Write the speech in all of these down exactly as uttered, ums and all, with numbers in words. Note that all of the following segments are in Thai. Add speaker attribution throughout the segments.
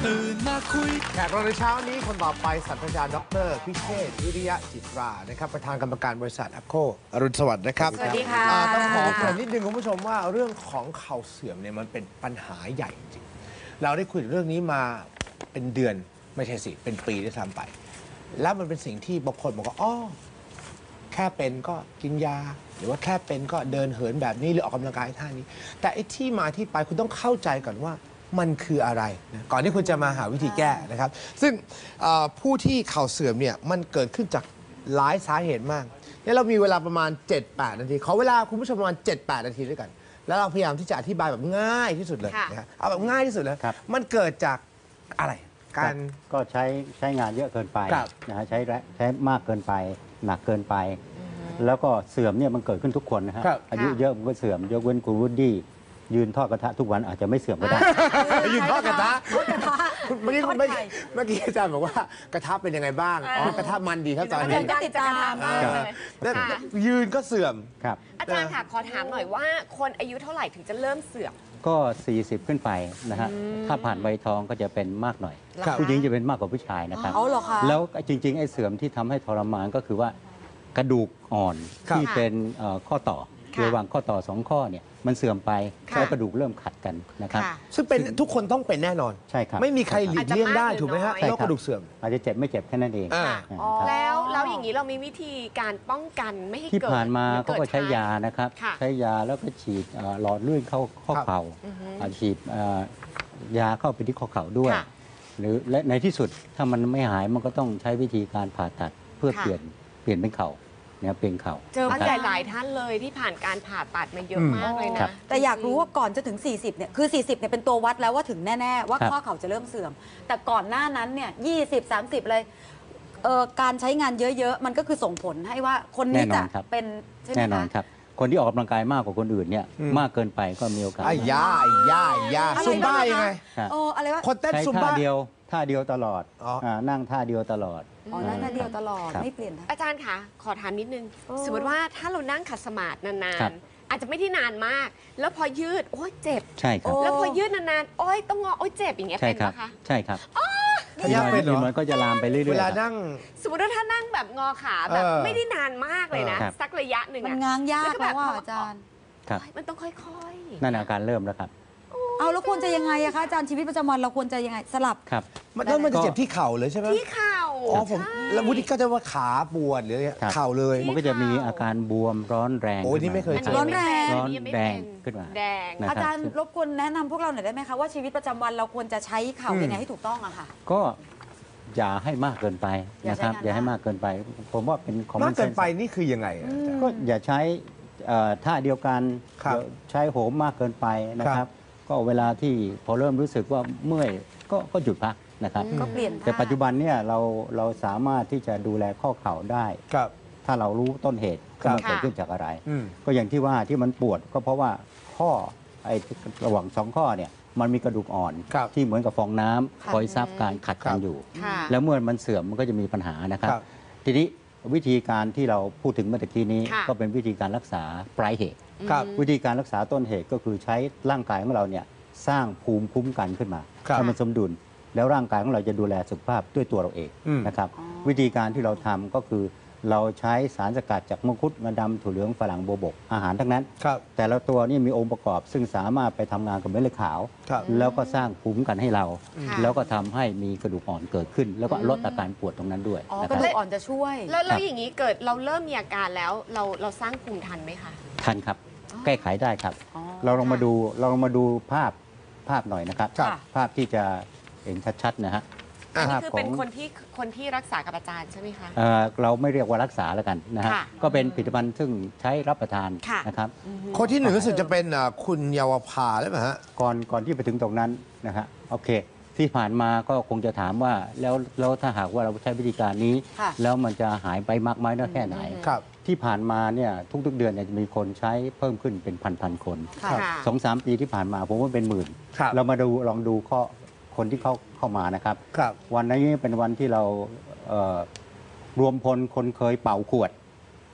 Speaker 1: ตื่นมาคุย
Speaker 2: แขกรับในเช้านี้คนต่อไปศาสตราจารย์ดรพิเชษฐ์วิริยะจิตรานะครับประธานกรรมการบริษัทแอปโคอรุณสวัสดิ์นะครับ
Speaker 3: สวัสดีค่ะ
Speaker 2: ต้องขอเกริ่นนิดนึงคุณผู้ชมว่าเรื่องของเข่าเสื่อมเนี่ยมันเป็นปัญหาใหญ่จริงเราได้คุยเรื่องนี้มาเป็นเดือนไม่ใช่สิเป็นปีด้วยซ้ำไปแล้วมันเป็นสิ่งที่บางคนบอกว่าอ๋อแค่เป็นก็กินยาหรือว่าแค่เป็นก็เดินเหินแบบนี้หรือออกกำลังกายท่านี้ แต่ไอ้ที่มาที่ไปคุณต้องเข้าใจก่อนว่ามันคืออะไรนะก่อนที่คุณจะมาหาวิธีแก้นะครับซึ่งผู้ที่เข่าเสื่อมเนี่ยมันเกิดขึ้นจากหลายสาเหตุมากเนี่ยเรามีเวลาประมาณ เจ็ดแปด นาทีขอเวลาคุณผู้ชมประมาณ เจ็ดแปด นาทีด้วยกันแล้วเราพยายามที่จะอธิบายแบบง่ายที่สุดเลยนะเอาแบบง่ายที่สุดเลยมันเกิดจากอะไรการ
Speaker 4: ก็ใช้ใช้งานเยอะเกินไปนะฮะใช้ใช้มากเกินไปหนักเกินไป แล้วก็เสื่อมเนี่ยมันเกิดขึ้นทุกคนนะฮะอายุเยอะมันก็เสื่อมยกเว้นคุณวูดดี้ยืนทอดกระทะทุกวันอาจจะไม่เสื่อมก็ได้
Speaker 2: ยืนทอดกระทะเมื่อกี้เมื่อกี้อาจารย์บอกว่ากระทะเป็นยังไงบ้างอ๋อกระทะมันดีครับอาจารย์
Speaker 3: ก็ติดตามมากเลย
Speaker 2: ยืนก็เสื่อม
Speaker 4: ครับ
Speaker 3: อาจารย์ค่ะขอถามหน่อยว่าคนอายุเท่าไหร่ถึงจะเริ่มเสื่อม
Speaker 4: ก็สี่สิบขึ้นไปนะฮะถ้าผ่านวัยทองก็จะเป็นมากหน่อยผู้หญิงจะเป็นมากกว่าผู้ชายนะครับแล้วจริงๆไอ้เสื่อมที่ทำให้ทรมานก็คือว่ากระดูกอ่อนที่เป็นข้อต่อระหว่างข้อต่อสองข้อเนี่ยมันเสื่อมไปแล้วกระดูกเริ่มขัดกันนะครับ
Speaker 2: ซึ่งเป็นทุกคนต้องเป็นแน่นอน
Speaker 4: ใช่ครับ
Speaker 2: ไม่มีใครหลีกเลี่ยงได้ถูกไหมฮะโรคกระดูกเสื่อม
Speaker 4: อาจจะเจ็บไม่เจ็บแค่นั้นเอง
Speaker 3: แล้วแล้วอย่างนี้เรามีวิธีการป้องกันไม่ให้เกิด
Speaker 4: ที่ผ่านมาเขาก็ใช้ยานะครับใช้ยาแล้วก็ฉีดหลอดเลือดเข้าข้อเข่าฉีดยาเข้าไปที่ข้อเข่าด้วยหรือและในที่สุดถ้ามันไม่หายมันก็ต้องใช้วิธีการผ่าตัดเพื่อเปลี่ยนเปลี่ยนเป็นเข่าเนี่ยเป็นเข่า
Speaker 3: เจอผู้ใหญ่หลายท่านเลยที่ผ่านการผ่าตัดมาเยอะมากเลยนะ
Speaker 5: แต่อยากรู้ว่าก่อนจะถึงสี่สิบเนี่ยคือสี่สิบเนี่ยเป็นตัววัดแล้วว่าถึงแน่ๆว่าข้อเข่าจะเริ่มเสื่อมแต่ก่อนหน้านั้นเนี่ยยี่สิบ สามสิบเลยเอ่อการใช้งานเยอะๆมันก็คือส่งผลให้ว่าคนนี้จะเป็นใช่ไหมคะ
Speaker 4: แน่นอนครับคนที่ออกกำลังกายมากกว่าคนอื่นเนี่ยมากเกินไปก็มีโอกาส
Speaker 2: ไอ้ยาไอ้ยาไอ้ยาซุมบ้ายังไง
Speaker 5: โอ้อะไรวะ
Speaker 2: คนเต้นซุมบ้า
Speaker 4: เดียวท่าเดียวตลอดนั่งท่าเดียวตลอด
Speaker 5: อ๋อนั่งท่าเดียวตลอดไม่เปลี่ยน
Speaker 3: อาจารย์คะขอถามนิดนึงสมมติว่าถ้าเรานั่งขัดสมาธินานๆอาจจะไม่ที่นานมากแล้วพอยืดโอ้ยเจ็บ
Speaker 4: ใช่ครับ
Speaker 3: แล้วพอยืดนานๆโอ้ยต้องงอโอ้ยเจ็บอย่างเงี้ยเป็นไหมคะ
Speaker 4: ใช่ครับ
Speaker 2: ถ้ายากเป็น
Speaker 4: มันก็จะลามไปเรื่อยๆ
Speaker 2: เวลานั่ง
Speaker 3: สมมติว่าถ้านั่งแบบงอขาแบบไม่ได้นานมากเลยนะสักระยะหนึ่ง
Speaker 5: มันง้างยากแล้วว่าอาจารย์
Speaker 3: มันต้องค่อย
Speaker 4: ๆนั่นอาการเริ่มแล้วครับ
Speaker 5: เอาแล้วควรจะยังไงอะคะอาจารย์ชีวิตประจำวันเราควรจะยังไงสลับ
Speaker 4: ครับ
Speaker 2: มันต้องมันจะเจ็บที่เข่าเลยใช่ไหม
Speaker 3: ที่เข่า
Speaker 2: อ๋อผมแล้ววุฒิก็จะว่าขาปวดหรือเข่าเลย
Speaker 4: มันก็จะมีอาการบวมร้อนแรง
Speaker 2: โอ้นี่ไม่เคย
Speaker 5: ร้อนแรง
Speaker 4: ร้อนแดงขึ้นมา
Speaker 3: แดง
Speaker 5: อาจารย์รบกวนแนะนำพวกเราหน่อยได้ไหมคะว่าชีวิตประจำวันเราควรจะใช้เข่ายังไงให้ถูกต้องอะค่ะ
Speaker 4: ก็อย่าให้มากเกินไปนะครับอย่าให้มากเกินไปผมว่าเป็นของ
Speaker 2: มากเกินไปนี่คือยังไง
Speaker 4: ก็อย่าใช้ท่าเดียวกันใช้โหมมากเกินไปนะครับก็เวลาที่พอเริ่มรู้สึกว่าเมื่อยก็ก็หยุดพักนะครับ
Speaker 5: ก็เปลี่ยน
Speaker 4: แต่ปัจจุบันเนี่ยเราเราสามารถที่จะดูแลข้อเข่าได้ถ้าเรารู้ต้นเหตุว่ามันเกิดขึ้นจากอะไรก็อย่างที่ว่าที่มันปวดก็เพราะว่าข้อไอ้ระหว่างสองข้อเนี่ยมันมีกระดูกอ่อนที่เหมือนกับฟองน้ำคอยซับการขัดกันอยู่แล้วเมื่อมันเสื่อมมันก็จะมีปัญหานะครับทีนี้วิธีการที่เราพูดถึงเมื่อกี้นี้ก็เป็นวิธีการรักษาปลายเหตุวิธีการรักษาต้นเหตุก็คือใช้ร่างกายของเราเนี่ยสร้างภูมิคุ้มกันขึ้นมาให้มันสมดุลแล้วร่างกายของเราจะดูแลสุขภาพด้วยตัวเราเองนะครับวิธีการที่เราทำก็คือเราใช้สารสกัดจากมังคุดงาดำถั่วเหลืองฝรั่งโบวบกอาหารทั้งนั้นแต่ละตัวนี่มีองค์ประกอบซึ่งสามารถไปทำงานกับเม็ดเลือดขาวแล้วก็สร้างภูมิคุ้มกันให้เราแล้วก็ทำให้มีกระดูกอ่อนเกิดขึ้นแล้วก็ลดอาการปวดตรงนั้นด้วย
Speaker 5: กระดูกอ่อนจะช่วย
Speaker 3: แล้วแล้วอย่างนี้เกิดเราเริ่มมีอาการแล้วเราเราสร้างภูมิทันไหมคะ
Speaker 4: ทันครับแก้ไขได้ครับเราลองมาดูเราลองมาดูภาพภาพหน่อยนะครับภาพที่จะเห็นชัดๆนะฮะ
Speaker 3: อันนี้คือเป็นคนที่คนที่รักษากับอาจารย์ใช่ไหมคะ
Speaker 4: เราไม่เรียกว่ารักษาแล้วกันนะฮะก็เป็นผลิตภัณฑ์ซึ่งใช้รับประทานนะครับ
Speaker 2: คนที่หนึ่งรู้สึกจะเป็นคุณเยาวภาหรือเปล่าฮะ
Speaker 4: ก่อนก่อนที่ไปถึงตรงนั้นนะฮะโอเคที่ผ่านมาก็คงจะถามว่าแล้วแล้วถ้าหากว่าเราใช้วิธีการนี้แล้วมันจะหายไปมากไหมน้อยแค่ไหนที่ผ่านมาเนี่ยทุกๆเดือนเนี่ยจะมีคนใช้เพิ่มขึ้นเป็นพันๆคนสองสามปีที่ผ่านมาผมว่าเป็นหมื่นเรามาดูลองดูข้อคนที่เข้าเข้ามานะครับวันนี้เป็นวันที่เรารวมพลคนเคยเป่าขวด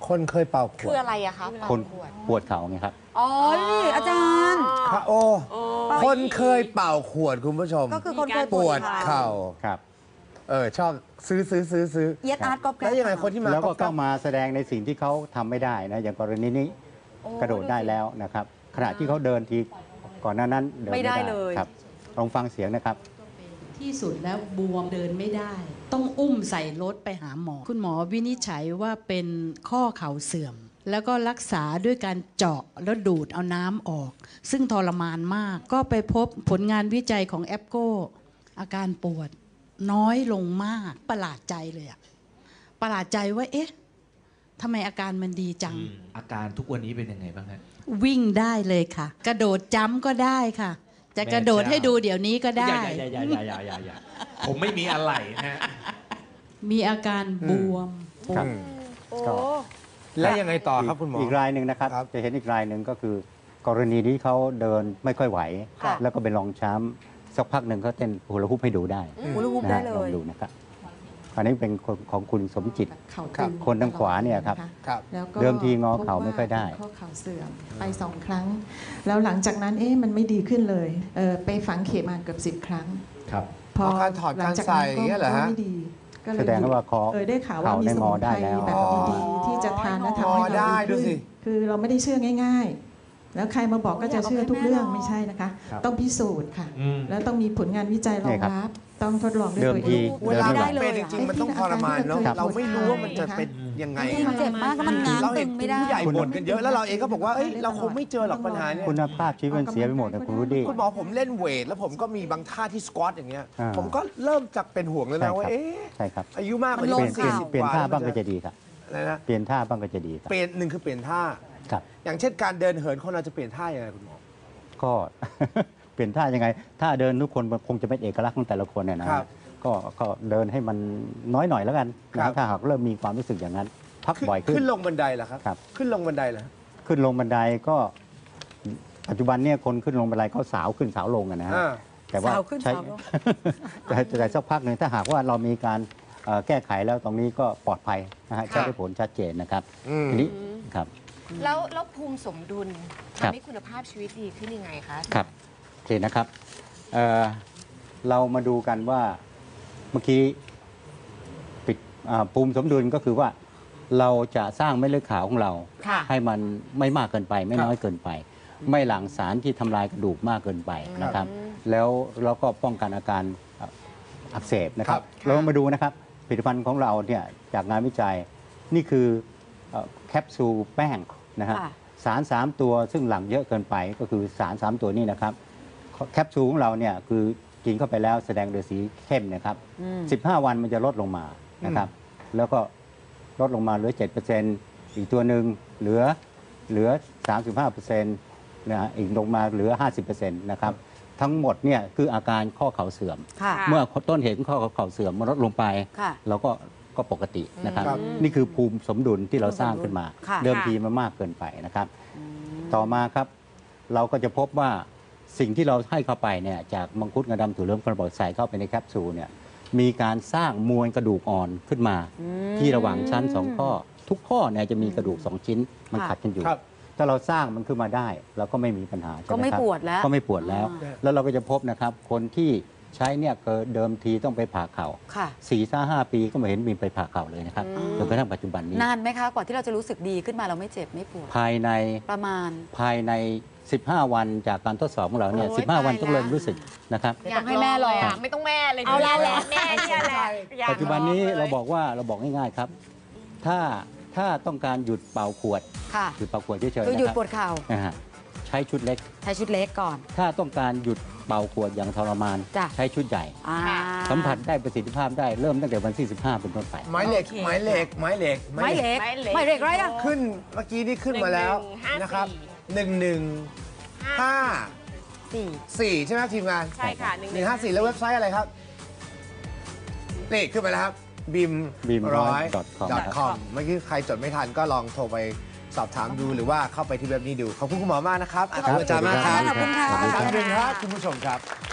Speaker 2: คนเคยเป่าข
Speaker 3: คื
Speaker 2: ว
Speaker 3: อ
Speaker 2: ด
Speaker 3: อะไรอะคะ
Speaker 4: คนปวดเข่าไงครับ
Speaker 5: อ๋อนี่อาจารย์
Speaker 2: ค่ะโอ้คนเคยเป่าขวดคุณผู้ชม
Speaker 5: ก็คือคนเคย
Speaker 2: ปวดเข่า
Speaker 4: ครับ
Speaker 2: เออชอบซื้อซื้อซื้อซื้อ
Speaker 5: เย็ดอาร์ตก๊อปแก๊ป
Speaker 2: แล้วยังไงคนที่มา
Speaker 4: แล้วก็
Speaker 2: ก๊
Speaker 4: เข้า
Speaker 2: อบ
Speaker 4: มาแสดงในสิ่งที่เขาทำไม่ได้นะอย่างกรณีนี้
Speaker 5: โอ้
Speaker 4: กระโดดได้แล้วนะครับ ขณะที่เขาเดินทีก่อนหน้านั้นเดิน
Speaker 5: ไม่
Speaker 4: ไม่
Speaker 5: ได้
Speaker 4: ได้
Speaker 5: เลย
Speaker 4: ครับลองฟังเสียงนะครับ
Speaker 1: ที่สุดแล้วบวมเดินไม่ได้ ต้องอุ้มใส่รถไปหาหมอ คุณหมอวินิจฉัยว่าเป็นข้อเข่าเสื่อม แล้วก็รักษาด้วยการเจาะแล้วดูดเอาน้ำออก ซึ่งทรมานมาก ก็ไปพบผลงานวิจัยของแอปโกอาการปวดน้อยลงมากประหลาดใจเลยอะประหลาดใจว่าเอ๊ะทำไมอาการมันดีจัง
Speaker 6: อาการทุกวันนี้เป็นยังไงบ้างฮะ
Speaker 1: วิ่งได้เลยค่ะ กระโดดจ้ำก็ได้ค่ะ จะกระโดดให้ดูเดี๋ยวนี้ก็ได้
Speaker 6: อย่าอย่าอย่าอย่าอย่าอย่าผมไม่มีอะไรฮะ
Speaker 1: มีอาการบวมปว
Speaker 4: ครั
Speaker 1: ด
Speaker 4: บ
Speaker 3: โอ้
Speaker 4: ก็
Speaker 2: แล้วยังไงต่อครับคุณหมอ
Speaker 4: อีกรายหนึ่งนะครับ
Speaker 2: ครับ
Speaker 4: จะเห็นอีกรายหนึ่งก็คือ กรณีที่เขาเดินไม่ค่อยไหว
Speaker 5: ค่ะ
Speaker 4: แล้วก็เป็นรองช้ำสักพักหนึ่งเขาเต้นฮูลาฮูปให้ดูได้
Speaker 5: หูรูป
Speaker 4: นะ
Speaker 5: ได้
Speaker 4: ฮะ
Speaker 5: เล
Speaker 4: ลอง
Speaker 5: ย
Speaker 4: ดูนะครับอันนี้เป็นคนของคุณสมจิต
Speaker 7: เข่า
Speaker 2: ครับ
Speaker 7: ตึง
Speaker 4: คนทางขวาเนี่ยครับ
Speaker 7: ะะ
Speaker 2: ครับ
Speaker 7: แล้วก็
Speaker 4: เดิมทีงอเข่าไม่ค่อยได้
Speaker 7: พบว่าข้อเข่าเสื่อมไปสองครั้ง แล้วหลังจากนั้นเอ๊ะมันไม่ดีขึ้นเลยเออไปฝังเข็มมาเกือบสิบครั้ง
Speaker 6: ครับ
Speaker 7: พอ
Speaker 2: เอาการถอด
Speaker 7: หลังจาก
Speaker 2: การใส่
Speaker 7: นั้น
Speaker 2: อย่างเงี้ยเหรอฮะ
Speaker 7: ก็ไม่ดีก็เลย
Speaker 4: แสดงว่าคอ
Speaker 7: เออได้ข่าวว่า
Speaker 4: เข่า
Speaker 7: มี
Speaker 4: ได้
Speaker 7: ส
Speaker 4: ง
Speaker 7: มุ
Speaker 4: อน ได้
Speaker 7: ไพร
Speaker 4: แล้ว
Speaker 7: แบบดีๆที่จะทานและทำให้
Speaker 2: งอได้
Speaker 7: เรา
Speaker 2: ดู
Speaker 7: ดี
Speaker 2: สิ
Speaker 7: ขึ้นคือเราไม่ได้เชื่อง่าย ๆ แล้วใครมาบอกก็จะเชื่อทุกเรื่องไม่ใช่นะคะ
Speaker 6: ครับ
Speaker 7: ต้องพิสูจน์ค่ะ
Speaker 6: อืม
Speaker 7: แล้วต้องมีผลงานวิจัยรองรับต้องทดลองด้วย
Speaker 4: เดิม
Speaker 7: ตัว
Speaker 4: ที
Speaker 7: เอง
Speaker 2: เวลา
Speaker 4: เดินไม่
Speaker 2: มัน
Speaker 4: ไหว
Speaker 2: เป็นจริงๆมันต้องทรมานเนาะ
Speaker 7: ครับ
Speaker 2: เราไม่รู้ว่ามันจะเป็นยังไง
Speaker 5: จริงๆเจ็บมากก็มันง้าง
Speaker 2: เรา
Speaker 5: ตึ
Speaker 2: เห็น
Speaker 5: ง
Speaker 2: คุ
Speaker 5: ไม่
Speaker 2: ณ
Speaker 5: ได้
Speaker 2: ผู้ใหญ่บ่นกันเยอะแล้วเราเองก็บอกว่าเอ้ยเราคงไม่เจอหรอกปัญหาเนี่ย
Speaker 4: คุณภาพชีวิตมันเสียไปหมดนะคุณรู้ดิ
Speaker 2: คุณหมอผมเล่นเวท แล้วผมก็มีบางท่าที่สควอตอย่างเงี้ย
Speaker 4: อ่า
Speaker 2: ผมก็เริ่มจากเป็นห่วงแล้ว
Speaker 4: ใช่
Speaker 2: นะว่า
Speaker 4: ครับ
Speaker 2: เอ๊ะ
Speaker 4: ใช่ครับ
Speaker 2: อายุมากกว่า
Speaker 5: มันล
Speaker 4: เป
Speaker 5: ง
Speaker 2: นี้
Speaker 4: ลี่ยนเปลี่ยน
Speaker 2: สี่สิบ
Speaker 4: เปลี่ยนท่าบ้างก็
Speaker 2: แล้วมัน
Speaker 4: จะดีครับ
Speaker 2: อะไรนะ
Speaker 4: เปลี่ยนท่าบ้างก็จะดีครับ
Speaker 2: เปลี่ยนหนึ่งคือเปลี่ยนท่า
Speaker 4: ครับ
Speaker 2: อย่างเช่นการเดินเหินคนเราจะเปลี่ยนท่ายังไงคุณหมอ
Speaker 4: ก็ เปลี่ยนท่ายังไงท่าเดินทุกคนมันคงจะเป็นเอกลักษณ์ของแต่ละคนเนี่ยนะครับ ก็ก็เดินให้มันน้อยหน่อยแล้วกัน
Speaker 2: ครับ
Speaker 4: นะถ้าหากเริ่มมีความรู้สึกอย่างนั้น พัก
Speaker 2: ขึ้น
Speaker 4: บ่อยขึ้น
Speaker 2: ขึ้นลงบันไดเหรอครับ
Speaker 4: ครับ
Speaker 2: ขึ้นลงบันไดเหรอ
Speaker 4: ขึ้นลงบันไดก็ปัจจุบันเนี่ยคนขึ้นลงบันไดเขาสาวขึ้นสาวลงอะนะฮะ
Speaker 2: อ่า
Speaker 4: แต่ว่า
Speaker 5: สาวขึ้น
Speaker 4: ใช้
Speaker 5: สาวลง
Speaker 4: แต่แต่สักพักหนึ่งถ้าหากว่าเรามีการเอ่อแก้ไขแล้วตรงนี้ก็ปลอดภัยนะฮะ
Speaker 3: ค่ะ
Speaker 4: ใช้ได้ผลชัดเจนนะครับ
Speaker 2: อืม
Speaker 4: ทีนี้ครับ
Speaker 3: แล้วแล้วภูมิสมดุล
Speaker 4: ครับ
Speaker 3: ทำให้คุณภาพชีวิตดีขึ้นยังไงคะ
Speaker 4: ครับโอเคนะครับเอ่อเรามาดูกันว่าเมื่อกี้ปิดอ่าภูมิสมดุลก็คือว่าเราจะสร้างเม็ดเลือดขาวของเรา
Speaker 3: ค่ะ
Speaker 4: ให้มันไม่มากเกินไป ไม่
Speaker 2: ครับ
Speaker 4: น้อยเกินไป ไม่หลั่งสารที่ทำลายกระดูกมากเกินไปนะครับ
Speaker 3: อืม
Speaker 4: แล้วเราก็ป้องกันอาการอ่ะอักเสบนะครับ
Speaker 3: ครับ
Speaker 4: เรามาดูนะครับผลิตภัณฑ์ของเราเนี่ยจากงานวิจัยนี่คือเอ่อแคปซูลแป้งนะฮะ
Speaker 5: ค่ะ
Speaker 4: สาร 3 ตัวซึ่งหลั่งเยอะเกินไปก็คือสาร 3 ตัวนี้นะครับแคปซูลของเราเนี่ยคือกินเข้าไปแล้วแสดงโดยสีเข้มนะครับ
Speaker 5: อืม
Speaker 4: สิบห้า วันมันจะลดลงมานะครับ แล้วก็ลดลงมาเหลือ เจ็ดเปอร์เซ็นต์ อีกตัวหนึ่งเหลือเหลือ สามสิบห้าเปอร์เซ็นต์ นะฮะอีกลงมาเหลือ ห้าสิบเปอร์เซ็นต์ นะครับ ทั้งหมดเนี่ยคืออาการข้อเข่าเสื่อม
Speaker 5: ค่ะ
Speaker 4: เมื่อต้นเหตุของข้อเข่าเสื่อมมันลดลงไป
Speaker 5: ค่ะ
Speaker 4: เราก็ก็ปกตินะครับ
Speaker 2: ครับ
Speaker 4: นี่คือภูมิสมดุลที่เราสร้างขึ้นมา
Speaker 5: ค่ะ
Speaker 4: เดิมทีมันมากเกินไปนะครับ ต่อมาครับ เราก็จะพบว่าสิ่งที่เราให้เข้าไปเนี่ยจากมังคุดงาดำถั่วเหลืองกระบอกใส่เข้าไปในแคปซูลเนี่ยมีการสร้างมวลกระดูกอ่อนขึ้นมา ที่ระหว่างชั้นสองข้อ ทุกข้อเนี่ยจะมีกระดูกสองชิ้นมัน
Speaker 5: ค่ะ
Speaker 4: ขัดกันอยู่
Speaker 2: ครับ
Speaker 4: ถ้าเราสร้างมันขึ้นมาได้ เราก็ไม่มีปัญหาใช่
Speaker 5: ก็
Speaker 4: ไหม
Speaker 5: ไม่
Speaker 4: ครับ
Speaker 5: ปวดแล้ว
Speaker 4: ก็ไม่ปวดแล้ว
Speaker 5: อ่า
Speaker 4: แล้วเราก็จะพบนะครับคนที่ใช้เนี่ยเกิดเดิมทีต้องไปผ่าเข่า
Speaker 5: ค่ะ
Speaker 4: สี่ห้าห้าปีก็ไม่เห็นมีไปผ่าเข่าเลยนะครับ
Speaker 5: อืม
Speaker 4: จนกระทั่งปัจจุบันนี้
Speaker 5: นานไหมคะ กว่าที่เราจะรู้สึกดีขึ้นมาเราไม่เจ็บไม่ปวด
Speaker 4: ภายใน
Speaker 5: ประมาณ
Speaker 4: ภายใน สิบห้า วันจากการทดสอบของเราเนี่ย
Speaker 3: โอ้ย
Speaker 4: สิบห้า วัน
Speaker 3: ตาย
Speaker 4: ต้องเริ่ม
Speaker 3: แล้ว
Speaker 4: รู้สึกนะครับ
Speaker 5: เดี๋ยวต้องให้แม่ลอง
Speaker 3: ยากไม่ต้องแม่เลย
Speaker 5: เอาละแหละ
Speaker 3: แม่เนี่ยแหละอยาก
Speaker 4: ปัจจุบันนี้
Speaker 3: ลองลย
Speaker 4: เราบอกว่าเราบอกง่ายๆครับ ถ้าถ้าต้องการหยุดเป่าขวด
Speaker 5: ค่ะ
Speaker 4: หยุดเป่าขวดเฉยๆ
Speaker 5: คือ
Speaker 4: นะ
Speaker 5: หยุด
Speaker 4: ครับ
Speaker 5: ปวดเข่า
Speaker 4: นะฮะใช้ชุดเล็ก
Speaker 5: ใช้ชุดเล็กก่อน
Speaker 4: ถ้าต้องการหยุดเป่าขวดอย่างทรมาน
Speaker 5: จ้ะ
Speaker 4: ใช้ชุดใหญ่
Speaker 5: อ่า
Speaker 4: สัมผัสได้ประสิทธิภาพได้เริ่มตั้งแต่วันที่สิบห้าเป็นต้นไป
Speaker 2: ไม้เหล็ก
Speaker 5: โอเค
Speaker 2: ไม้เหล็ก ไม้เหล็ก
Speaker 5: ไม้เล็ก
Speaker 3: ไม้เล็ก
Speaker 5: ไม้เล็กไรอะ
Speaker 2: ขึ้นเมื่อกี้นี่ขึ้นมาแล้ว
Speaker 3: หนึ่งหนึ่งห้า
Speaker 2: นะครับ
Speaker 3: สี่
Speaker 2: หนึ่งหนึ่งห้า
Speaker 5: สี่
Speaker 2: สี่ใช่ไหมครับทีมงาน
Speaker 3: ใช่ค่ะ
Speaker 2: หนึ่งห้าสี่แล้วเว็บไซต์อะไรครับนี่ขึ้นมาแล้วครับบิม
Speaker 4: bim
Speaker 2: ร้อย
Speaker 4: com
Speaker 2: ดอทคอมเมื่อกี้ใครจดไม่ทันก็ลองโทรไปสอบถามดูหรือว่าเข้าไปที่เว็บนี้ดู ขอบคุณคุณหมอมากนะครับขอบคุณอาจารย์มากครับ
Speaker 5: ขอบคุณค่ะ
Speaker 2: ขอบคุณครับคุณผู้ชมครับ